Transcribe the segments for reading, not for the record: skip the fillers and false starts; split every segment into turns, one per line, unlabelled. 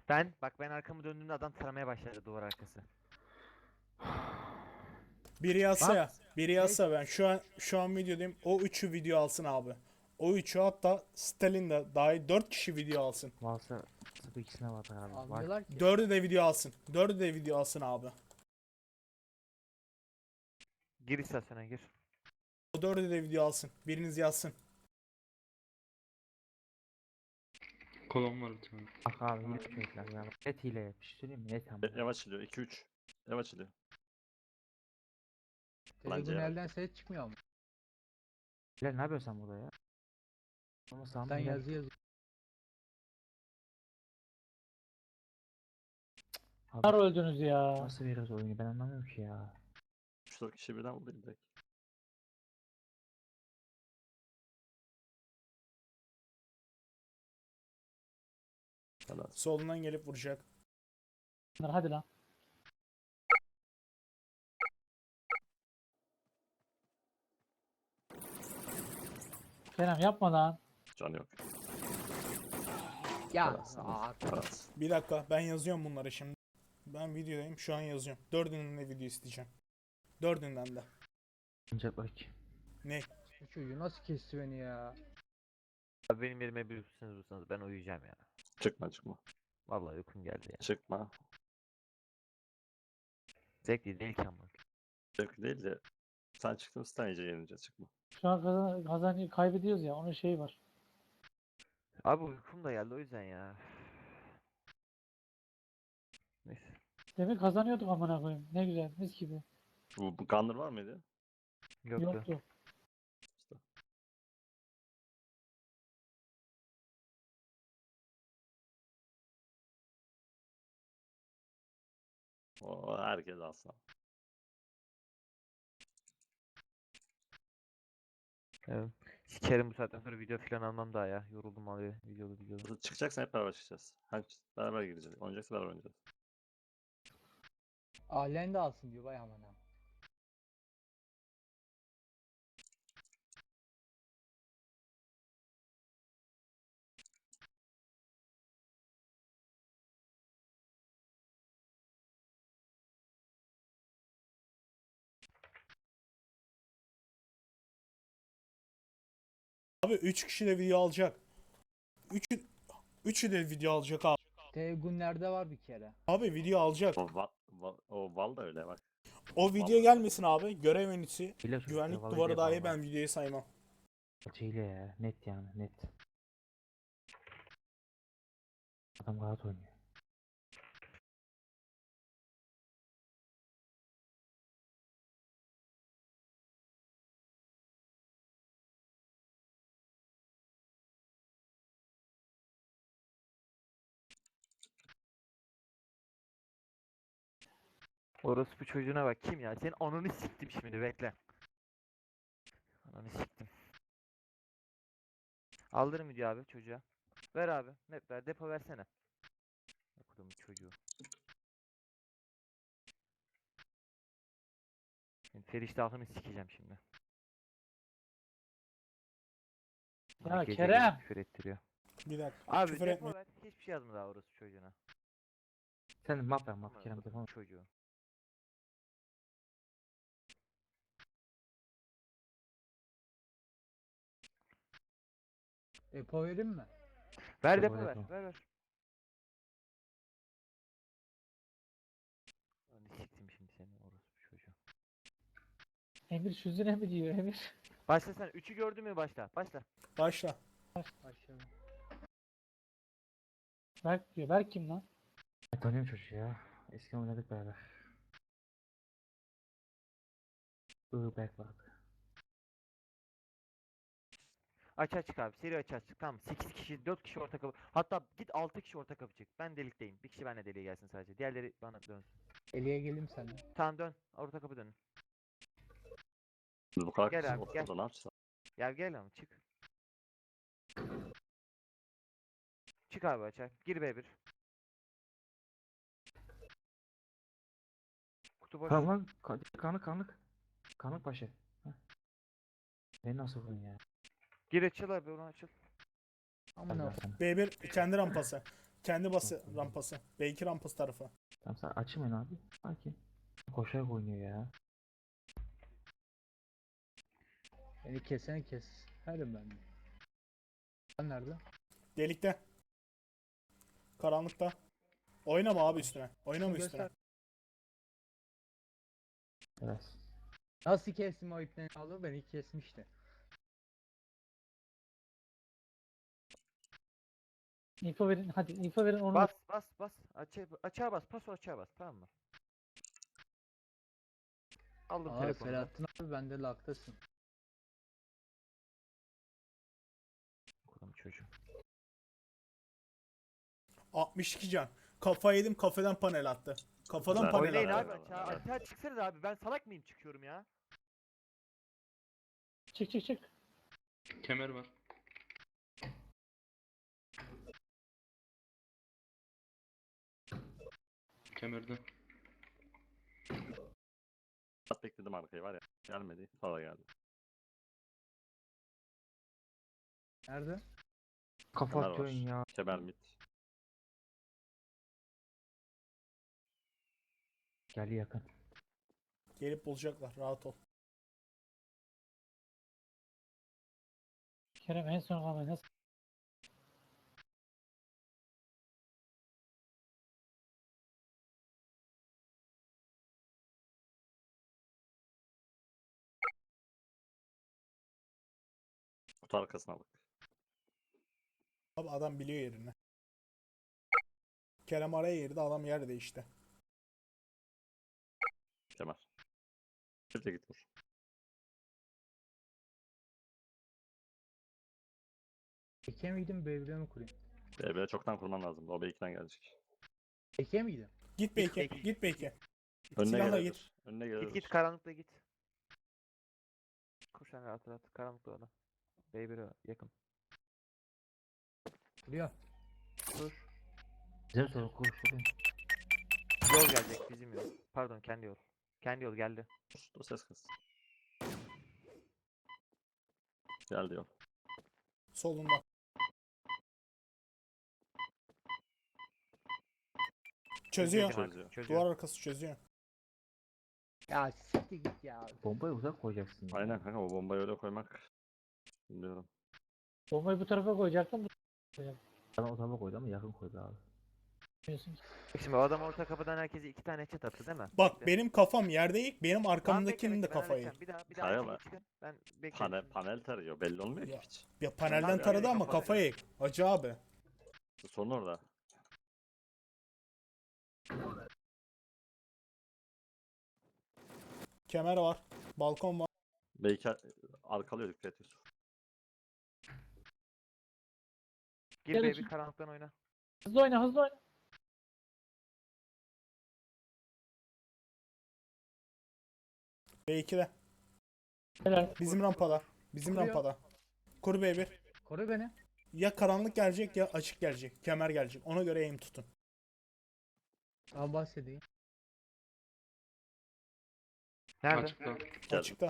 Ben arkamı döndüğümde adam taramaya başladı duvar arkası.
Biri yazsa
Lan
ya. Biri yazsa ben şu an videodayım. O üçü video alsın abi. O üçü hatta Stalin de dahil 4 kişi video alsın.
Varsa bu ikisine var abi. Var.
Almıyorlar ki.
4'ü de video alsın. 4'ü de video alsın abi.
gir istasyona gir.
O 4'ü de video alsın. Biriniz yazsın.
Kolon var bir tane.
Bak abi hile çocuklar ya. Net hile. Bir şey söyleyeyim mi? Net ama.
Yavaş iliyor. 2-3. Yavaş iliyor. Bence
Telegun
yarar.
elden ses çıkmıyor mu?
Bilal ne yapıyorsun sen burada ya? Ama sağ
Sen
Bilal.
yazı yaz.
Abi,
öldünüz ya.
nasıl veriyoruz oyunu ben anlamıyorum ki ya.
3-4 kişi birden vurdu direkt. Helal.
Solundan gelip vuracak.
Hadi lan. Kerem yapma lan.
Can yok.
Ya.
Paras.
Aa,
Paras.
Bir dakika ben yazıyorum bunları şimdi. Ben videodayım şu an yazıyorum. 4'ünün de video isteyeceğim. 4'ünden de.
Ancak bak.
Ne?
bu çocuğu nasıl kesti beni ya?
Abi benim yerime bir vursanız ben uyuyacağım ya.
Çıkma çıkma.
Vallahi uykum geldi ya.
Çıkma.
Zevkli değil ki ama.
Zevkli değil de sen çıktın stun iyice yenince çıkma.
Şu an kaybediyoruz ya. Onun şeyi var.
Abi uykum da geldi o yüzden ya. Neyse.
Demin kazanıyorduk amına koyayım. Ne güzel. Mis gibi.
Bu Gunner var mıydı?
Yoktu.
Yoktu.
O herkes alsa.
Evet. Sikerim bu saatten sonra video falan almam daha ya. Yoruldum abi videolu.
Çıkacaksan hep beraber çıkacağız. Hem beraber gireceğiz. Oynayacaksa beraber oynayacağız.
Alен de alsın diyor vay amına.
Abi 3 kişi de video alacak. Üçü de video alacak abi.
Telegun nerede var bir kere?
Abi video alacak.
O Val da öyle bak.
O video gelmesin abi. Görev menüsü.
Hile çocuklar.
Güvenlik
vallahi
duvarı
hile
dahi
vallahi.
ben videoyu saymam.
Hile ya. Net yani net. Adam rahat oynuyor.
Orospu çocuğuna bak kim ya? Senin ananı siktim şimdi bekle. Ananı siktim. Aldırın video abi çocuğa. Ver abi. Map ver. Depo versene. Okudum çocuğu. Feriştahını sikeceğim şimdi. Bana
Ya
gece
Kerem!
gece küfür ettiriyor.
Bir dakika.
Abi
küfür
depo
etme.
ver. Hiçbir şey yazma daha orospu çocuğuna.
Sen map ver map
Aman
Kerem
okudum
telefon.
çocuğu.
Depo vereyim mi?
Ver
Depo,
depo ver.
depo.
Ver. Ananı siktim şimdi seni orospu çocuğu.
Emir süzüne mi diyor Emir?
Başla sen. 3'ü gördün mü başla. Başla.
Başla.
Başlayalım.
Berk diyor. Berk kim lan?
Ben tanıyorum çocuğu ya. Eskiden oynadık beraber. Berk vardı.
Aç abi. Seri aç. Tamam. 8 kişi, 4 kişi orta kapı. Hatta git 6 kişi orta kapı çık. Ben delikteyim. Bir kişi benimle deliğe gelsin sadece. Diğerleri bana dönsün.
Eliye geleyim sana.
Tamam dön. Orta kapı dönün.
Biz bu kadar
Gel
kişi
abi,
oturda
gel.
ne yapacağız?
Ya gel ama çık. Çık abi açar. Gir B1. Kutu boş.
Tamam lan. Kanlık. Kanlık başı. Heh. Beni nasıl vurdun ya?
Gir açıl abi onu açıl.
Amına.
Hadi sana.
B1 kendi rampası. Kendi bası rampası. B2 rampası tarafı.
Tamam sen açmayın abi. Sakin. Koşarak oynuyor ya.
Beni kesene kes. Herim ben de. Sen nerede?
Delikte. Karanlıkta. Oynama abi üstüne. Oynama
Göster.
üstüne.
Biraz.
Nasıl kestim o ipten aldı? Beni kesmişti.
info verin. Hadi info verin onu.
Bas bas bas. Açığa bas. Paso açığa bas. Tamam mı? Aldım
Aa
telefonu. da.
Selahattin abi bende laktasın.
Okulum çocuğum.
62 can. Kafa yedim, kafadan panel attı. Kafadan
Güzel.
panel
Oynayın
attı.
abi açığa. Açığa çıksanız abi. Ben salak mıyım çıkıyorum ya?
Çık çık çık.
Kemer var. Kemerde.
At bekledim arkayı var ya. Gelmedi. Sonra geldi.
Nerede?
Kafa
Kemer var.
atıyorsun ya.
Kemer mid.
Gel yakın.
Gelip bulacaklar. Rahat ol.
Kerem en son kalmayı nasıl?
Kutu arkasına bak.
Abi adam biliyor yerini. Kerem araya girdi, adam yer değişti.
Kemer. Bir de git vur.
Eke miydim B1'e mi kurayım?
BB çoktan kurman lazım. O B2'den gelecek.
Eke miydim?
Git B2. Git B2.
Önüne
Silahla
gelebilir.
git.
Önüne
Git
gelebilir.
git karanlıkta git. Koş sen rahat rahat. Karanlıkta adam. B1'e yakın.
Kuruyor.
Dur.
Güzel soru konuşalım.
Yol gelecek bizim yol. Pardon kendi yol. Kendi yol geldi.
O ses kız. Gel diyor.
Solunda. Çözüyor.
Çözüyor.
Çözüyor.
Duvar arkası çözüyor.
Ya siktir git ya.
Bombayı uzak koyacaksın. ya.
Aynen kanka o bombayı öyle koymak. Bilmiyorum.
Bombayı bu tarafa koyacaktım.
Bana o tarafa koydu ama yakın koydu abi.
Biliyorsunuz.
Şimdi o adam orta kapıdan herkese 2 tane headshot attı değil mi?
Bak
Bekle.
benim kafam yerde ilk. Benim
Tamam,
arkamdakinin de
bekle, ben
kafayı.
halledeceğim. Bir daha
Kaya
açık
var.
çıkın. Ben bekliyorum.
Panel tarıyor. Belli olmuyor ki
Ya.
hiç.
Ya panelden
Tamam,
taradı
yani
ama
kafa
kafayı. Acı abi.
Sorun orada.
Kemer var. Balkon var.
Belki arkalıyor dikkat et Yusuf.
Gir
Gel
baby
açık.
karanlıktan oyna.
Hızlı oyna hızlı oyna.
B2'de.
Helal.
Bizim rampada. Bizim
Kuruyor.
rampada. Kur B1.
Koru beni.
Ya karanlık gelecek ya açık gelecek. Kemer gelecek. Ona göre aim tutun.
Daha bahsedeyim.
Nerede?
Açıkta.
Geldim.
Açıkta.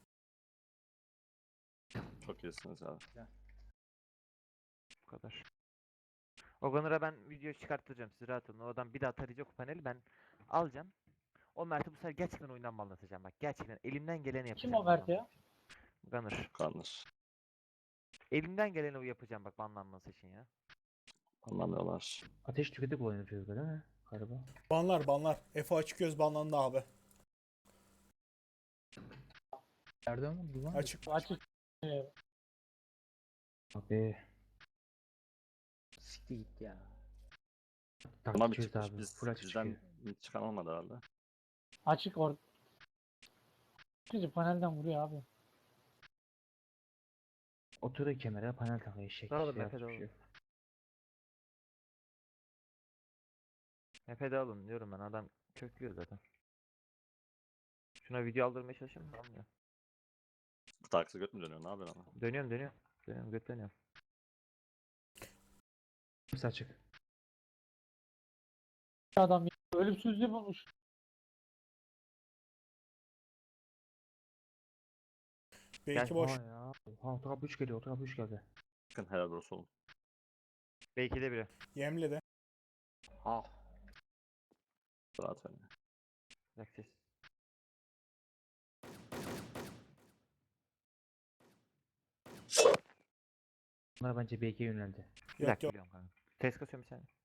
Çok iyisiniz abi.
Bu kadar. O Gunner'a ben video çıkarttıracağım siz rahat olun. O adam bir daha tarayacak o paneli ben alacağım. O Mert'i bu sefer gerçekten oyundan banlatacağım bak. Gerçekten elimden geleni yapacağım.
Kim o Mert ya?
Gunner.
Kanır.
Elimden geleni o yapacağım bak banlanması için ya.
Anlamıyorlar.
Ateş tüketip oynuyor çocuklar değil mi? Galiba.
Banlar banlar. Efe açık göz banlandı abi.
Nereden vurdu lan?
Açık.
Açık.
Abi.
Siktir git ya.
Buna bir
Taktik
çıkmış.
abi.
Biz,
Full açık
bizden
çıkıyor.
hiç çıkan olmadı herhalde.
Açık or. Bizi panelden vuruyor abi.
Oturuyor kemere panel takıyor eşek.
Dağılın
Şey
Efe,
yapmış bir
dağılın.
şey yok.
Mepede alın diyorum ben adam köklüyor zaten. Şuna video aldırmaya çalışıyorum da almıyor.
Kutu arkası göt mü dönüyor? Ne yapıyorsun ama?
Dönüyorum dönüyorum. Dönüyorum götleniyorum.
Hepsi açık.
Adam ölümsüzlüğü bulmuş.
B2
Gel.
boş.
Ha ya. Ha otoğa 3 geliyor. Otoğa 3 geldi.
Bakın helal olsun.
Belki de biri.
Yemledi.
Ah.
Rahat oyna.
Bırak ses.
Bunlar bence BK yöneldi.
Bir
Yok
dakika
yok.
geliyorum kanka. Test kasıyorum bir saniye.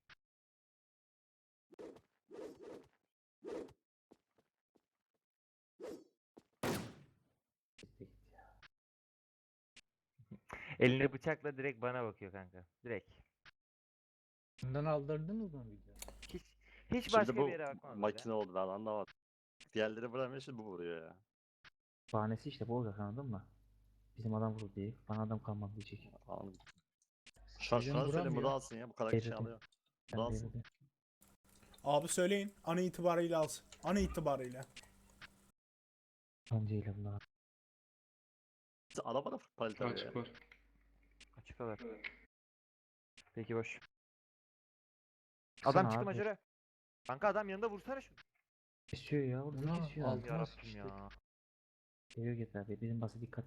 Elinde bıçakla direkt bana bakıyor kanka. Direkt.
Bundan aldırdınız mı video?
Hiç hiç
Şimdi
başka
bu
bir yere bakmaz bile.
makine oldu ben anlamadım. Diğerleri vuramıyor şimdi bu vuruyor ya.
Bahanesi işte bu olacak, anladın mı? Bizim adam vurdu diye. Bana adam kalmadı diyecek.
Anladım.
Bizim
Şuna söyleyeyim bu da
vuramıyor.
alsın ya bu kadar kişi
Devletin.
alıyor. Bu
Ben
da
de
alsın.
dedim.
Abi söyleyin. An itibariyle alsın. An itibariyle.
Önceyle bunlar.
Araba da palita ya.
Açık var.
Açık alır. Peki boş.
Sana
Adam çıktı
abi.
maçöre. Kanka adam yanında vursana şu.
Kesiyor ya. Orada
Buna
kesiyor.
al.
Al.
Altına
Yarabbim
sıçtık.
ya.
Geliyor git abi. Bizim basa dikkat.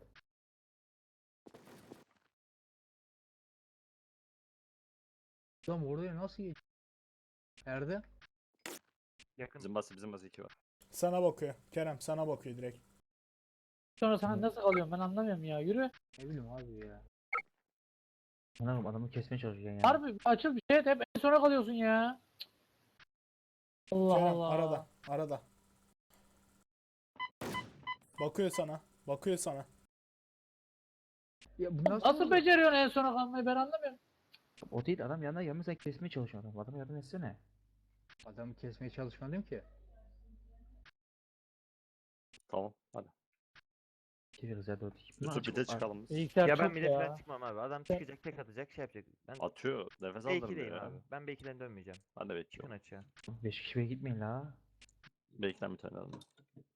Lan oraya nasıl geç? Nerede?
Yakın.
Bizim bası 2 var.
Sana bakıyor. Kerem sana bakıyor direkt.
Sonra sana nasıl alıyorum ben anlamıyorum ya. Yürü.
Ne bileyim abi ya.
Anam adamı kesmeye çalışıyor yani.
Harbi açıl bir şey et hep en sona kalıyorsun ya. Cık. Allah
Kerem
Allah.
arada. Arada. Bakıyor sana. Bakıyor sana.
Ya bu
Nasıl
oldu?
beceriyorsun en sona kalmayı ben anlamıyorum.
O değil, adam yanına yanına sen kesmeye çalışıyor adam. Adama yardım etsene.
Adamı kesmeye çalışmadım ki.
Tamam hadi.
Çeviriyoruz ya 4-2.
Lütfen bir de çıkalım biz.
Bilgisayar
Ya ben
çok
milletinden
ya.
çıkmam abi. Adam çıkacak, tek atacak, şey yapacak. Ben
Atıyor. Nefes
B2'deyim
aldırmıyor
abi.
ya.
Ben B2'den dönmeyeceğim.
Ben de
Çıkın
bekliyorum.
açığa.
5 kişi bile gitmeyin la.
Beklen bir tane aldım.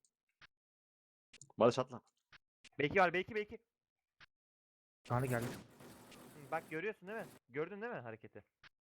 Barış atla.
B2 var, B2.
Tanrı geldi.
Bak görüyorsun değil mi? Gördün değil mi hareketi?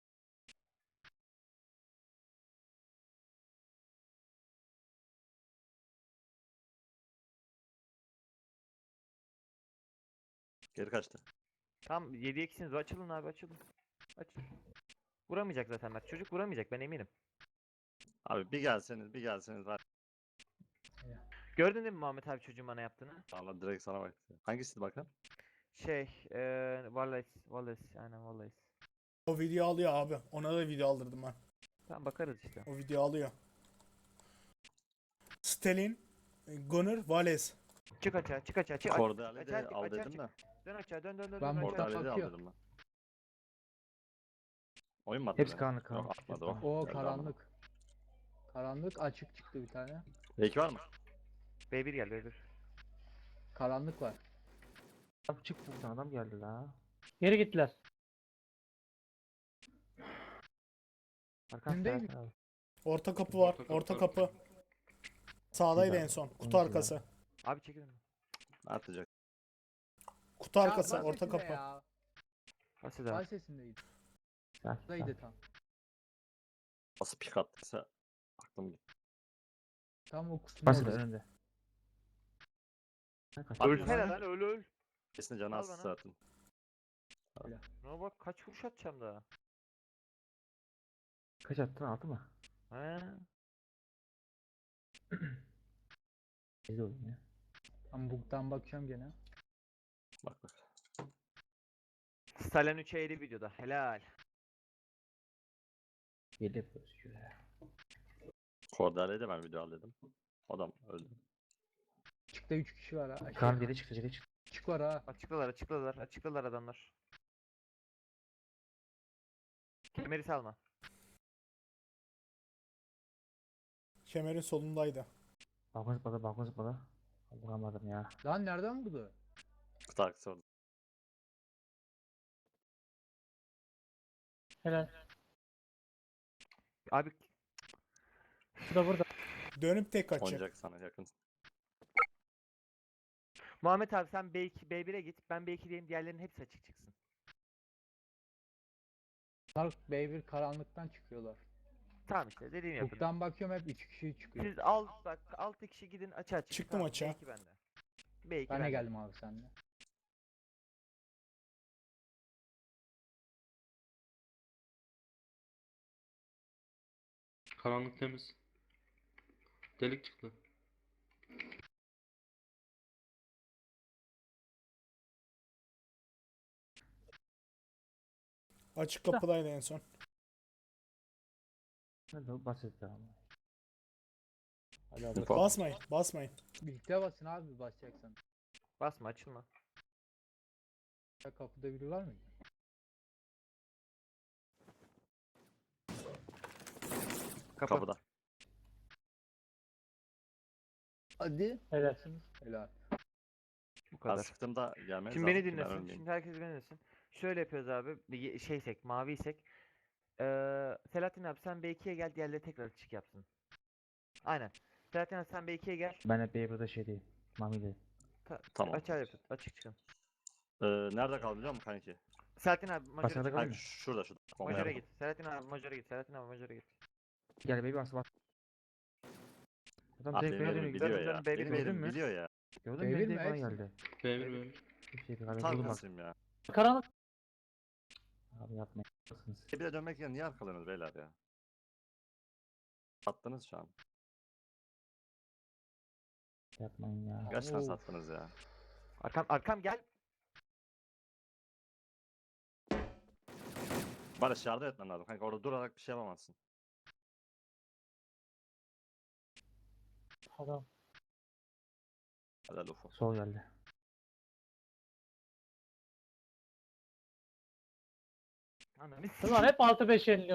Geri kaçtı.
Tam 7'ye 2'siniz. Açılın abi, açılın. Açın. Vuramayacak zaten Mert. Çocuk vuramayacak, ben eminim.
Abi bir gelseniz var.
Gördün değil mi Muhammed abi çocuğun bana yaptığını?
Allah direkt sana bak. Hangisiydi bakalım?
Wallace, aynen Wallace.
O video alıyor abi. Ona da video aldırdım ben.
Tamam bakarız işte.
O video alıyor. Stalin, Gunnar, Vales.
Çık açığa, çık açığa, çık.
Kordale'yi de
açığa,
al
açığa
dedim
çık.
de.
Dön açığa, dön
Ben
dön
buradan
açığa.
Kordale'yi de al
bakıyor.
dedim ben. Oyun mu attı
Hepsi
beni?
karanlık, karanlık.
Yok atmadı
Hepsi
o.
O
Geldi ama.
karanlık. Karanlık açık çıktı bir tane.
Belki var mı?
B1 gel, B1.
Karanlık var.
Adam çık buradan, adam geldi la.
Geri gittiler.
Arkan
Önündeyim.
tarafına al.
Orta kapı var. Orta kapı. Sağdaydı
Güzel.
en son. Kutu
Oyuncu var.
arkası.
Abi çekilin.
Atacak.
Kutu arkası.
Ya,
Orta
sesinde
kapı.
Ya.
Basit
Vay
abi.
sesindeydi.
Sakin,
Buradaydı
sakin.
tam.
Nasıl pik attıysa aklım gitti.
Tam o kutunun
Basit
orası.
önünde. Sen kaç.
Abi,
Ölsene lan, öl.
Kesin canı
Al
az
bana.
zaten.
Ne bak kaç vuruş atacağım daha.
Kaç attın, 6 mı?
He.
Bizde oyun ya.
Tam buktan bakıyorum gene.
Bak bak.
Stalin 3'e 50 videoda. Helal.
Belli yapıyoruz şöyle.
Kordale'yi de ben video al dedim. Adam öldü.
Açıkta 3 kişi var ha.
Kaan geri çıktı, geri çıktı.
Açık var ha.
Açıkladılar adamlar. Kemeri salma.
Kemerin solundaydı.
Balkon zıpladı, balkon zıpladı. Vuramadım ya.
Lan nereden buldu?
Kutu arkası orada.
Helal.
Abi
Bu da burada.
Dönüp tek açacak.
Oynayacak sana yakın.
Muhammed abi sen B2, B1'e git. Ben B2'deyim. Diğerlerinin hepsi açık çıksın.
Dark B1 karanlıktan çıkıyorlar.
Tamam işte dediğimi yapın.
Buktan bakıyorum hep 3 kişi çıkıyor.
Siz bak 6 kişi gidin açığa çıkın.
Çıktım
Tamam,
açığa.
B2 bende. B2
Ben de
bende.
geldim abi seninle.
Karanlık temiz. Delik çıktı.
Açık kapıdaydı en son.
Hadi o basit ama.
Hadi abi.
Info.
Basmayın, basmayın.
Birlikte basın abi basacaksan.
Basma, açılma.
Ya kapıda biri var mı?
Kapı.
Kapıda.
Hadi.
Helalsiniz.
Helal.
Bu
Ben
kadar.
sıktığımda gelmeniz
Şimdi
lazım
beni
ki ben
dinlesin.
ölmeyeyim.
Şimdi herkes beni dinlesin. Şöyle yapıyoruz abi. Şeysek, maviysek. Selahattin abi sen B2'ye gel, diğerleri tekrar açık yapsın. Aynen. Selahattin abi sen B2'ye gel.
Ben hep burada şey değil. Mami'de.
Tamam.
Açığa yapın. Açık çıkın.
Nerede kaldı biliyor musun kanki?
Selahattin abi Major'a
Başarılı
çık.
kalın.
Hayır, şurada şurada. Bomba
Major'a
yaptım.
git. Selahattin abi Major'a git. Selahattin abi Major'a git.
Gel baby bas bas. Adam
Ah,
direkt
benim
bana
yerim
dönüyor.
biliyor
Dön,
ya.
dön, baby,
Benim
gördün
yerim
mü?
biliyor ya.
Gördün
Devir
mü?
mi,
Direkt bana
Ex mi?
geldi.
B1 B1.
Bir şey değil.
Tam
Vurdum bak.
kasayım ya.
Karanlık.
Abi yapmayın. Basınız.
Bir de dönmek yerine niye arkalıyorsunuz beyler ya? Attınız şu an.
Yapmayın ya.
Gerçekten
Of.
sattınız ya.
Arkam gel.
Barış yardım etmen lazım kanka. Orada durarak bir şey yapamazsın.
Adam.
Hadi Ufo.
Sol geldi.
Ananı
Ulan hep 6-5 yeniliyor.